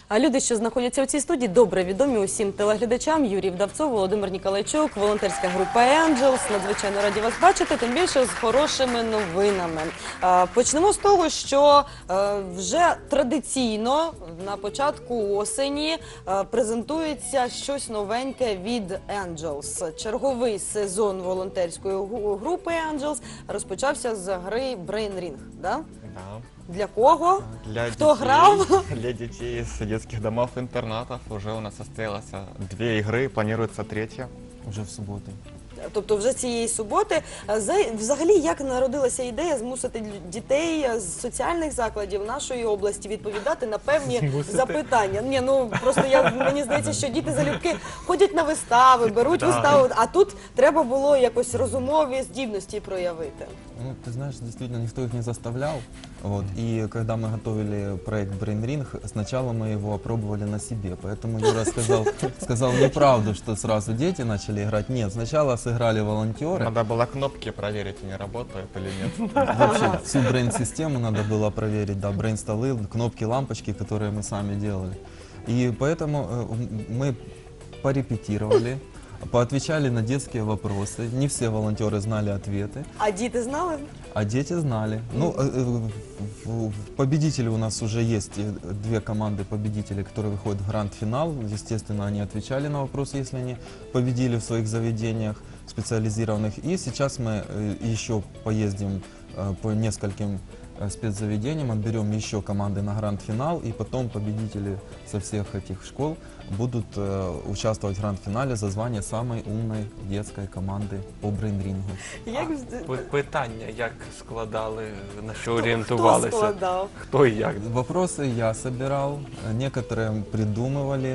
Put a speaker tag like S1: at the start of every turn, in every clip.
S1: А люди, що знаходяться у цій студії, добре відомі усім телеглядачам. Юрій Вдавцов, Володимир Ніколайчук, волонтерська група «Angels». Надзвичайно раді вас бачити, тим більше з хорошими новинами. Почнемо з того, що вже традиційно на початку осені презентується щось новеньке від «Angels». Черговий сезон волонтерської групи «Angels» розпочався з гри «Brain Ring». Да?
S2: Да.
S1: Для кого?
S2: Для
S1: Кто
S2: детей,
S1: грав?
S2: Для детей из детских домов-интернатов уже у нас состоялось 2 игры, планируется 3-я.
S3: Уже в субботу.
S1: Тобто вже цієї суботи. Взагалі, як народилася ідея змусити дітей з соціальних закладів нашої області відповідати на певні запитання? Ні, ну просто мені здається, що діти залюбки ходять на вистави, беруть виставу, а тут треба було якось розумові здібності проявити.
S3: Ну, ты знаешь, действительно, никто их не заставлял. Вот. И когда мы готовили проект Brain Ring, сначала мы его опробовали на себе. Поэтому Юра сказал неправду, что сразу дети начали играть. Нет, сначала сыграли волонтеры.
S2: Надо было кнопки проверить, они работают или нет.
S3: Вообще, всю брейн-систему надо было проверить, да, брейн-столы, кнопки, лампочки, которые мы сами делали. И поэтому мы порепетировали, поотвечали на детские вопросы. Не все волонтеры знали ответы.
S1: А діти знали?
S3: А дети знали. Ну, победители у нас уже есть, 2 команды победителей, которые выходят в гранд-финал. Естественно, они отвечали на вопросы, если они победили в своих заведениях специализированных. И сейчас мы еще поездим по нескольким спецзаведениям, отберем еще команды на гранд-финал, и потом победители со всех этих школ будут участвовать в гранд-финале за звание самой умной детской команды по брейн-рингу.
S4: Питання, як складали, на що
S1: Хто
S4: орієнтувалися?
S1: складав?
S4: Хто і як?
S3: Вопросы я собирал, некоторые придумывали,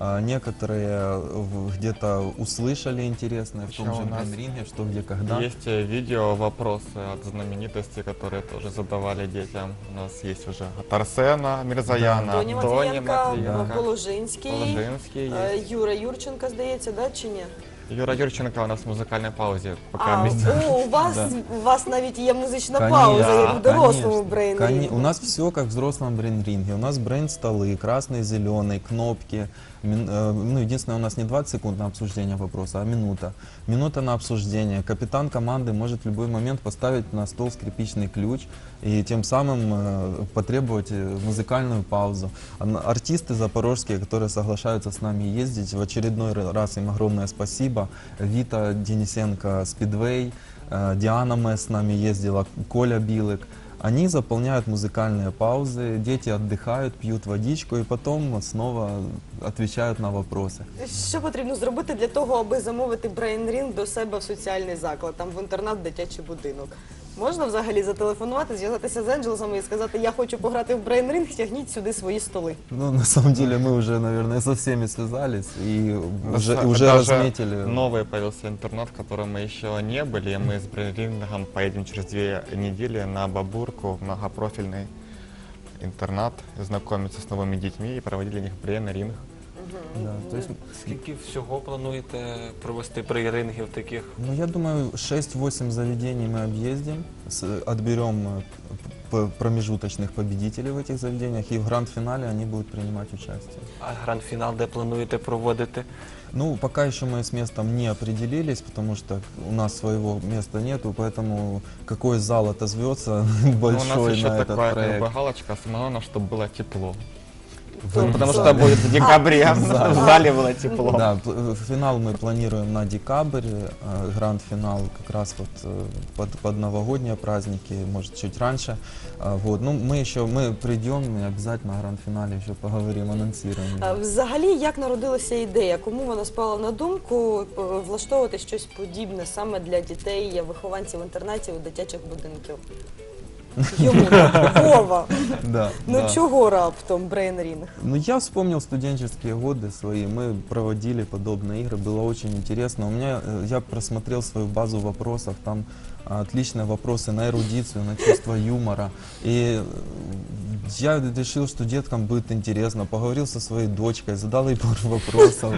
S3: некоторые где-то услышали интересное в том
S2: Еще
S3: же
S2: у нас
S3: брейн-ринге, что, где, когда.
S2: Есть видео, вопросы от знаменитостей, которые тоже задавали детям. У нас есть уже от Арсена Мирзояна,
S1: Доні
S2: от Дони
S1: Матвієнка,
S2: Матвієнка,
S1: Положинський,
S2: Положинский есть.
S1: Юра Юрченко, здається, да, чи ні?
S2: Юра Юрченко у нас в музыкальной паузе. Пока
S1: А,
S2: вместе.
S1: у вас навіть є музична
S3: Конечно,
S1: пауза, як в дорослому
S3: конечно.
S1: брейн-рінгу.
S3: У нас все как в взрослом брейн-ринге. У нас брейн-столы, красный, зеленый, кнопки. Ну, единственное, у нас не 20 секунд на обсуждение вопроса, а минута. Минута на обсуждение. Капитан команды может в любой момент поставить на стол скрипичный ключ и тем самым потребовать музыкальную паузу. Артисты запорожские, которые соглашаются с нами ездить, в очередной раз им огромное спасибо. Вита Денисенко, Спидвей, Диана Мэс с нами ездила, Коля Билык. Они заполняют музыкальные паузы, дети отдыхают, пьют водичку и потом снова отвечают на вопросы.
S1: Що потрібно зробити для того, аби замовити брейн-рінг до себе в соціальний заклад, там в інтернат, в дитячий будинок? Можна взагалі зателефонувати, зв'язатися з «Енджелсами» і сказати, я хочу пограти в брейн-рінг, тягніть сюди свої столи?
S3: Ну, на самом деле, мы уже, наверное, со всеми связались и уже
S2: Даже
S3: разметили.
S2: новый появился интернат, в котором мы еще не были. Мы с брейн-рингом поедем через 2 недели на Бабурку, в многопрофильный интернат, знакомиться с новыми детьми и проводить для них брейн-ринг.
S3: Да, то есть,
S4: Скільки всього плануєте провести брейн-рингів таких?
S3: ну, я думаю, 6-8 заведений мы объездим, отберем промежуточных победителей в этих заведениях, и в гранд-финале они будут принимать участие.
S4: А гранд-фінал де плануєте проводити?
S3: Ну, пока еще мы с местом не определились, потому что у нас своего места нету, поэтому какой зал отозвется
S2: Ну, у
S3: большой
S2: нас еще
S3: на этот
S2: такая
S3: проект.
S2: галочка, самое главное, чтобы было тепло.
S1: Тобто-
S2: Потому что будет в декабре, в зале было тепло.
S3: Да, финал мы планируем на декабрь, гранд-финал как раз вот под новогодние праздники, может чуть раньше. Вот. Ну, мы придем и обязательно на гранд-финале еще поговорим, анонсируем.
S1: Взагалі, як народилася ідея? Кому вона спала на думку влаштовувати щось подібне саме для дітей, вихованців інтернатів і дитячих будинків? Йому, Вова.
S3: Да,
S1: Ну
S3: да.
S1: чого раптом брейн-рінг?
S3: Ну, я вспомнил студенческие годы свои, мы проводили подобные игры, было очень интересно. Я просмотрел свою базу вопросов, там отличные вопросы на эрудицию, на чувство юмора. И я решил, что деткам будет интересно, поговорил со своей дочкой, задал ей пару вопросов.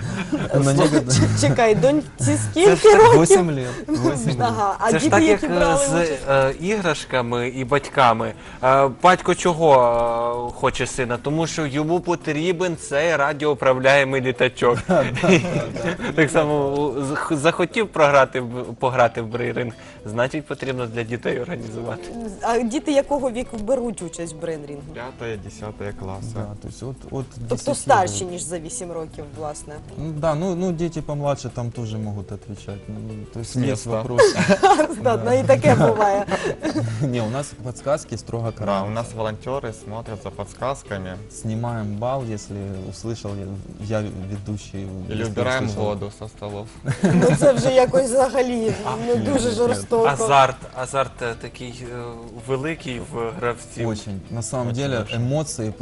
S1: Чекай, доньці скільки років?
S3: 8 лет. 8 лет.
S1: Ага, а
S4: Це ж
S1: діти,
S4: так, як
S1: які брали
S4: з
S1: участь?
S4: іграшками і батьки батьками. Батько чого хоче сина? Тому що йому потрібен цей радіоуправляємий літачок. Так само захотів пограти в брейринг, значить потрібно для дітей організувати.
S1: А діти якого віку беруть участь в брейнрінгу?
S2: 5-10 классы.
S3: Да, то есть от
S1: Тобто
S3: 10
S1: старші,
S3: лет.
S1: ніж за 8 років, власне.
S3: Ну, да, ну дети помладше там тоже могут отвечать. Ну, то есть
S2: С
S3: есть
S2: места.
S3: вопросы.
S1: Да, і таке буває.
S3: Не, у нас подсказки строго
S2: Да,
S3: караем.
S2: у нас волонтеры смотрят за подсказками.
S3: Снимаем балл, если услышал я ведущий.
S2: Или
S3: если
S2: убираем
S3: услышал.
S2: воду со столов.
S1: Ну це вже якось взагалі дуже жорстоко.
S4: Азарт такий великий в гравців.
S3: Очень. На самом
S2: Очень
S3: деле
S2: большой.
S3: эмоции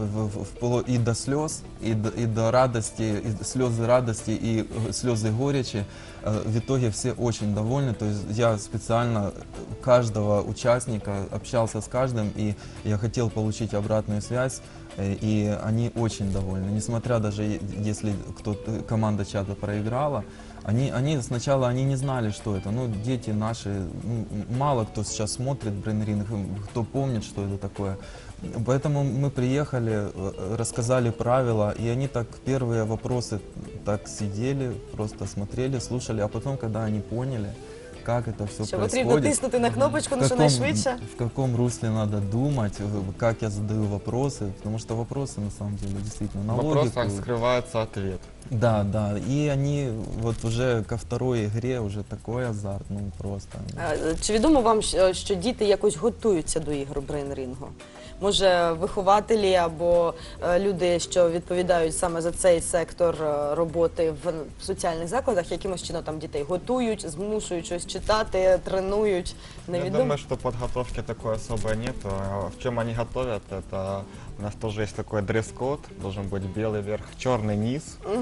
S3: и до слез, и до радости, и слезы радости, и слезы горечи. В итоге все очень довольны. То есть я специально каждого участника общался с каждым, и я хотел получить обратную связь. И они очень довольны. Несмотря даже если команда чата проиграла, они сначала не знали, что это. Ну, дети наши, ну, мало кто сейчас смотрит брейнринг, кто помнит, что это такое. Поэтому мы приехали, рассказали правила, и они так первые вопросы так сидели, просто смотрели, слушали, а потом, когда они поняли, как это все
S1: Що потрібно
S3: происходит,
S1: тиснути на кнопочку, ну що найшвидше.
S3: в каком русле надо думать, как я задаю вопросы, потому что вопросы на самом деле действительно на
S2: В вопросах
S3: логику.
S2: скрывается ответ.
S3: Да, да, и они вот уже ко второй игре уже такой азарт, ну просто.
S1: Чи відомо вам, що діти якось готуються до ігор брейнрінгу? Може, вихователі або люди, що відповідають саме за цей сектор роботи в соціальних закладах, якимось чином там дітей готують, змушують щось читати, тренують?
S2: Я
S1: Невідомо.
S2: думаю, что подготовки такой особой нет. В чем они готовят, это у нас тоже есть такой дресс-код, должен быть белый верх, черный низ.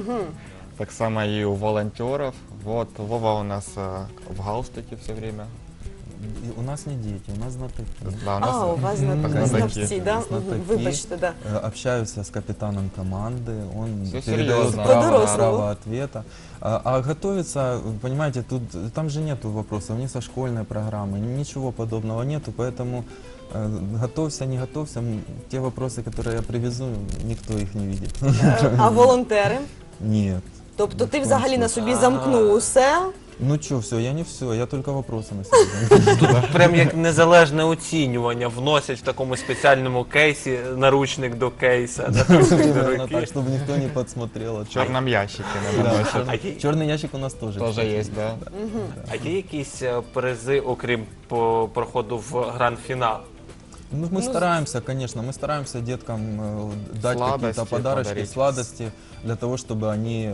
S2: Так само и у волонтеров. Вот Вова у нас в галстуке все время.
S3: И у нас не дети, у нас знатоки.
S2: Да, у нас
S1: У вас
S3: Знатоки.
S1: знавці, да?
S3: Знатоки.
S1: Вибачте, да.
S3: Общаюсь с капитаном команды, он
S2: Всё
S3: передает
S2: серьезно.
S1: По-дорослому.
S3: право ответа. А готовиться, понимаете, там же нету вопросов, ни со школьной программы, ничего подобного нету, поэтому готовься, не готовься, те вопросы, которые я привезу, никто их не видит.
S1: А волонтери?
S3: Нет.
S1: Тобто ти
S3: Ні в
S1: взагалі
S3: коєму
S1: на собі
S4: случаю.
S1: замкнув усе?
S3: Ну что, все, я не все, я только вопросы на себя.
S4: Прям як незалежне оцінювання вносять в такому спеціальному кейсі наручник до кейса. наручник до
S3: Примерно
S4: руки.
S3: так, чтобы никто не подсмотрел.
S2: в черном ящике. наверное,
S3: Да,
S4: А
S3: черный ящик у нас тоже.
S2: Тоже
S3: кстати.
S2: есть, да.
S4: А є якісь призи, окрім проходу в гранд-фінал?
S3: Ну, мы стараемся, конечно, мы стараемся деткам дать
S2: Сладости
S3: какие-то подарочки,
S2: подарить.
S3: сладости, для того, чтобы они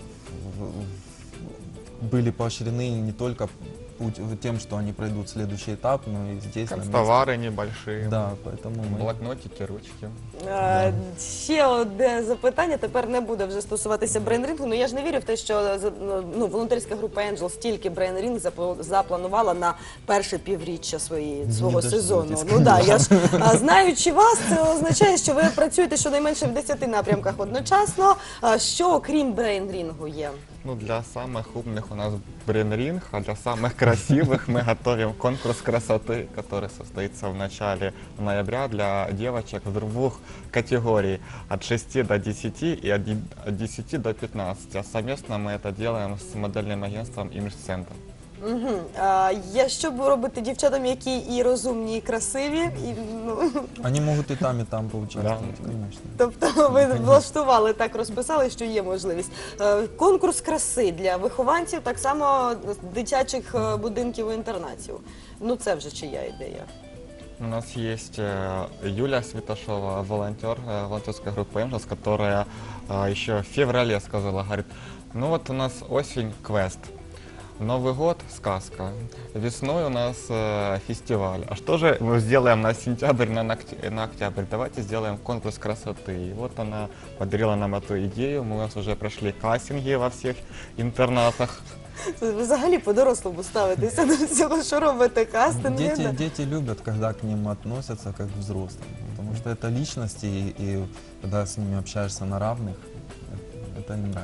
S3: были поощрены не только тем, что они пройдут следующий этап, но и здесь на месте.
S2: Канцтовары небольшие.
S3: Да, поэтому мы...
S2: Блокнотики, ручки.
S1: Ще одне запитання, тепер не буде вже стосуватися брейнрінгу. Ну я ж не вірю в те, що волонтерська група Angel стільки брейнрінг запланувала на перше півріччя свого
S3: дождетесь,
S1: сезону.
S3: конечно.
S1: Ну да, я ж знаючи вас, це означає, що ви працюєте щонайменше в 10 напрямках одночасно. Що окрім брейнрінгу є?
S2: Ну, для самых умных у нас брейнринг, а для самых красивых мы готовим конкурс красоты, который состоится в начале ноября для девочек в двух категорий, от 6 до 10 и от 10 до 15. А совместно мы это делаем с модельным агентством Image Center.
S1: Що б робити дівчатам, які і розумні, і красиві? І, ну,
S3: Они могут и там поучаствовать,
S2: Да.
S3: конечно.
S1: тобто ви влаштували, так розписали, що є можливість. Конкурс краси для вихованців, так само дитячих будинків і інтернатів. Ну це вже чия ідея?
S2: У нас есть Юля Святошова, волонтер волонтерской группы Angels, которая еще в феврале сказала, говорит, ну вот у нас осень, квест. Новый год – сказка. Весной у нас фестиваль. А что же мы сделаем на сентябрь, на октябрь? Давайте сделаем конкурс красоты. И вот она подарила нам эту идею. Мы у нас уже прошли кастинги во всех интернатах.
S1: Ви взагалі по-дорослому ставитеся до всього, що робите кастинги. да?
S3: Дети любят, когда к ним относятся как к взрослым, потому что это личности, и когда с ними общаешься на равных, это им нравится.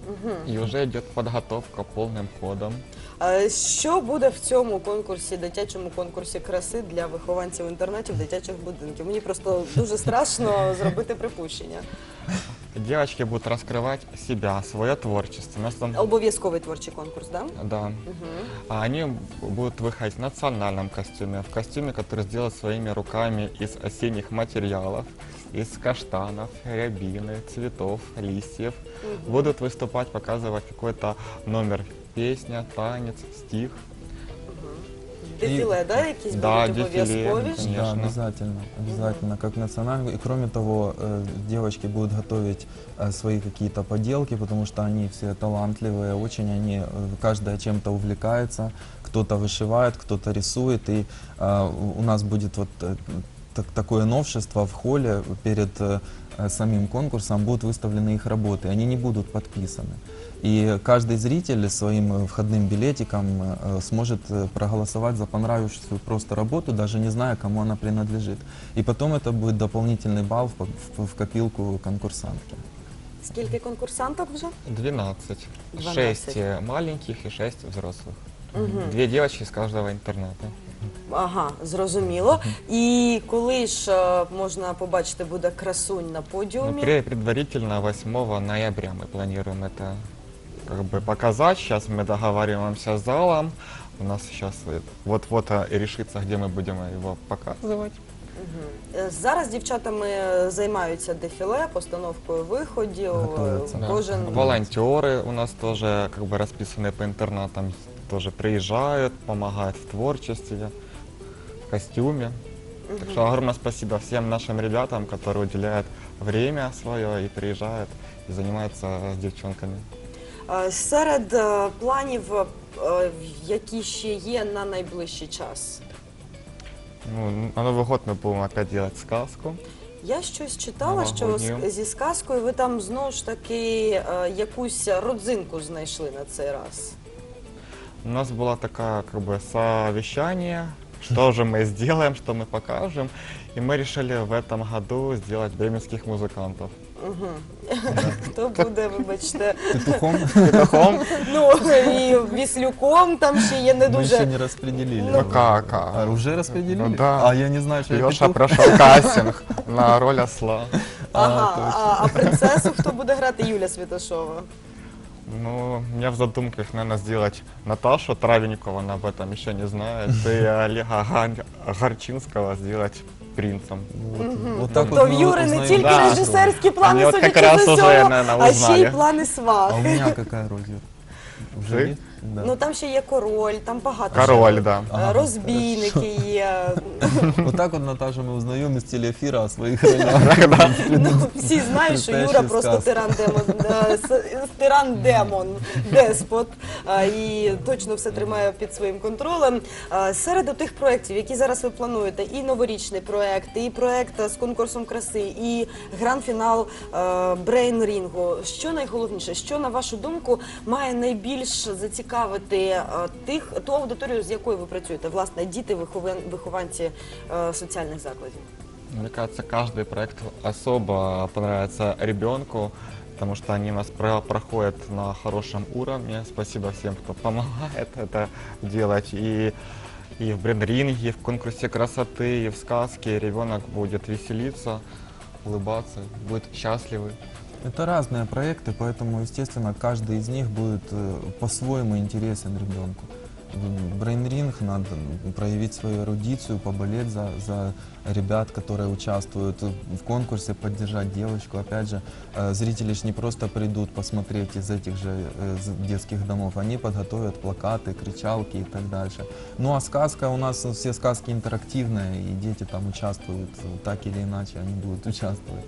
S2: И уже идет подготовка полным ходом.
S1: Що буде в цьому конкурсі, дитячому конкурсі краси для вихованців інтернатів дитячих будинків? Мені просто дуже страшно зробити припущення.
S2: Девочки будут раскрывать себя, свое творчество. У нас там,
S1: Обов'язковий творчий конкурс, так?
S2: да. А они будут выходить в национальном костюме, в костюме, который сделан своими руками из осенних материалов, из каштанов, рябины, цветов, листьев. Будут выступать, показывать какой-то номер, песня, танец, стих.
S1: Дефіле, да, якісь
S2: Да,
S1: будуть
S2: дефіле,
S1: обов'язкові?
S2: конечно.
S3: Да, обязательно, обязательно, как национальный. И кроме того, девочки будут готовить свои какие-то поделки, потому что они все талантливые, очень они, каждая чем-то увлекается, кто-то вышивает, кто-то рисует, и у нас будет вот такое новшество в холле перед самим конкурсом будут выставлены их работы, они не будут подписаны. И каждый зритель своим входным билетиком сможет проголосовать за понравившуюся просто работу, даже не зная, кому она принадлежит. И потом это будет дополнительный балл в копилку конкурсантки.
S1: Скільки конкурсанток вже?
S2: 12.
S1: 12.
S2: 6 маленьких и 6 взрослых. 2 девочки из каждого интерната.
S1: Ага, зрозуміло. І коли ж можна побачити буде красунь на
S2: Ну,
S1: подіумі?
S2: предварительно 8 ноября мы планируем это как бы показать. Сейчас мы договариваемся с залом. У нас сейчас вот-вот и решится, где мы будем его показывать.
S1: Зараз дівчатами займаються дефіле, постановкою виходів.
S3: Готовяться.
S2: Да.
S1: Кожен
S2: Волонтеры у нас тоже как бы расписанные по интернатам, тоже приезжают, помогают в творчестве, в костюме. Так что огромное спасибо всем нашим ребятам, которые уделяют время свое и приезжают и занимаются с девчонками.
S1: Серед планів, які ще є на найближчий час.
S2: Ну, на Новый год мы будем опять делать сказку.
S1: Я щось читала, що
S2: Новогодню.
S1: зі сказкою ви там знову ж таки якусь родзинку знайшли на цей раз.
S2: У нас было такое как бы совещание, что же мы сделаем, что мы покажем. И мы решили в этом году сделать бременских музыкантов.
S1: Хто буде, вибачте,
S3: Петухом
S2: Петухом?
S1: ну і віслюком там ще є не
S3: мы еще
S1: дуже.
S3: не распределили.
S2: Ну как?
S3: А, уже распределили?
S2: Ну да.
S3: А я не знаю, что я
S2: Леша
S3: петух.
S2: прошел кастинг на роль осла.
S1: Ага, а принцесу хто буде грати? Юля Святошова.
S2: Ну, у меня в задумках, наверное, сделать Наташу Травенникову, она об этом еще не знает, и Олега Горчинского сделать принцем.
S3: Вот так
S1: То
S3: вот
S1: в
S3: мы
S1: Юри не
S3: узнаем
S1: тільки
S2: Да.
S1: режисерські плани,
S2: Они вот как
S1: судячи
S2: раз
S1: з
S2: уже,
S1: усього,
S2: наверное,
S1: а ще й
S2: узнали.
S1: плани
S3: А
S1: свах.
S3: у меня какая роль, Юр? Уже
S2: Ты?
S3: есть? Да.
S1: Ну там ще є король, там багато.
S2: Король,
S1: ще.
S2: да.
S3: Ага,
S1: Розбійники є.
S3: Вот так вот, Наташа, мы узнаем из телеэфира о своих ролях.
S1: Ну, всі знають, що Юра
S3: Предстоящая
S1: просто
S3: сказка.
S1: тиран-демон, деспот, і точно все тримає під своїм контролем. Серед тих проєктів, які зараз ви плануєте, і новорічний проєкт, і проєкт з конкурсом краси, і гранд-фінал брейн-рінгу. Що найголовніше, що, на вашу думку, має найбільш зацікавити ту аудиторію, з якою ви працюєте, власне, діти, вихованці соціальних закладів?
S2: Мне кажется, каждый проект особо понравится ребенку, потому что они у нас проходят на хорошем уровне. Спасибо всем, кто помогает это делать. И в брейн-ринге, и в конкурсе красоты, и в сказке ребенок будет веселиться, улыбаться, будет счастливый.
S3: Это разные проекты, поэтому, естественно, каждый из них будет по-своему интересен ребенку. Брейн-ринг надо проявить свою эрудицию, поболеть за ребят, которые участвуют в конкурсе, поддержать девочку. Опять же, зрители ж не просто придут посмотреть из этих же детских домов, они подготовят плакаты, кричалки и так дальше. Ну а сказка, у нас все сказки интерактивные, и дети там участвуют, так или иначе они будут участвовать.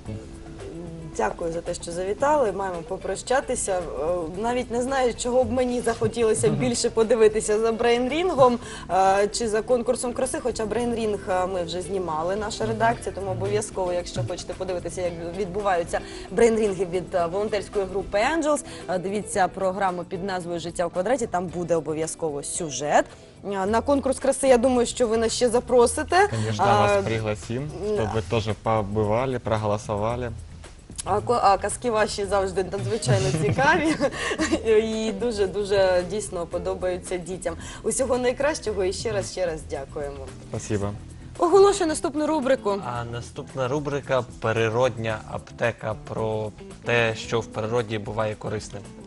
S1: Дякую за те, що завітали. Маємо попрощатися. Навіть не знаю, чого б мені захотілося більше подивитися за брейн-рінгом чи за конкурсом краси. Хоча брейн-рінг ми вже знімали, наша редакція, тому обов'язково, якщо хочете подивитися, як відбуваються брейн-рінги від волонтерської групи Angels, дивіться програму під назвою «Життя в квадраті», там буде обов'язково сюжет. На конкурс краси, я думаю, що ви нас ще запросите.
S2: Конечно, вас пригласим, чтобы вы тоже побывали, проголосовали.
S1: А казки ваші завжди надзвичайно цікаві і дуже дійсно подобаються дітям. Усього найкращого і ще раз дякуємо.
S2: Спасибо.
S1: Оголошую наступну рубрику.
S4: А наступна рубрика «Природня аптека» про те, що в природі буває корисним.